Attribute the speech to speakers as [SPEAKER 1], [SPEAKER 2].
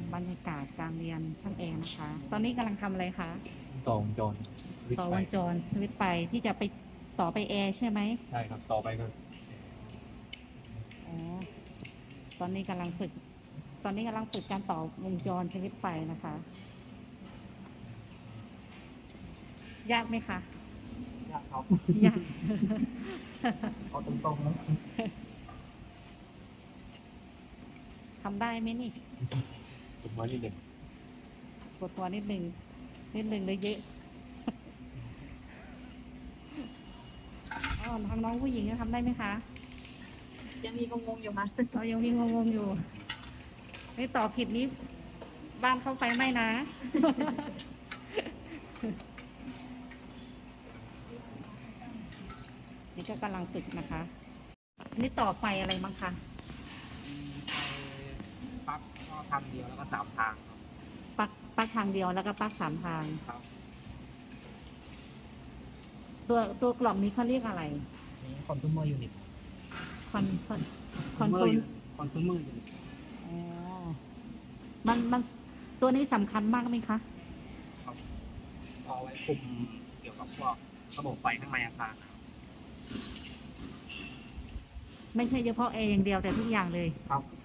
[SPEAKER 1] บรรยากาศการเรียนช่างแอร์นะคะ ตอนนี้กำลังทำอะไรคะ
[SPEAKER 2] ต่อวงจร
[SPEAKER 1] ต่อวงจรสวิตช์ไฟที่จะไปต่อไปแอร์ใช่ไหม
[SPEAKER 2] ใช่ครับต่อไปก็
[SPEAKER 1] อ๋อตอนนี้กำลังฝึก ตอนนี้กำลังฝึกการต่อวงจรสวิตช์ไฟนะคะ ยากไหมคะ
[SPEAKER 2] ยากครับ
[SPEAKER 1] ยาก
[SPEAKER 2] เอาตรงๆนะ
[SPEAKER 1] ทำได้ไหมนี่
[SPEAKER 2] ผมว่านี่เด็ก
[SPEAKER 1] ปวดตัวนิดนึงเลยเยอะอ๋อทางน้องผู้หญิงจะทำได้ไหมคะ
[SPEAKER 3] ยังมีงงๆอยู่มั้ย
[SPEAKER 1] เรายังมีงงๆอยู่นี่ต่อผิดนี้บ้านเข้าไฟไหม้นะ นี่ก็กำลังฝึกนะคะอันนี้ต่อไฟอะไรบ้างคะ
[SPEAKER 2] ปลั๊กก็ทางเดียวแล้วก็3 ทางครับ
[SPEAKER 1] ปลั๊กทางเดียวแล้วก็ปลั๊ก3 ทาง
[SPEAKER 2] ครับ
[SPEAKER 1] ตัวกล่องนี้เขาเรียกอะไร
[SPEAKER 2] นี่คอน sumer unit
[SPEAKER 1] คอนโทรล
[SPEAKER 2] คอน sumer unit
[SPEAKER 1] อ๋อมันตัวนี้สำคัญมากไหมคะ
[SPEAKER 2] ครับเอาไว้คุมเกี่ยวกับพวกระบบไฟข้างในอาคาร
[SPEAKER 1] ไม่ใช่เฉพาะแอร์อย่างเดียวแต่ทุกอย่างเลย
[SPEAKER 2] ครับ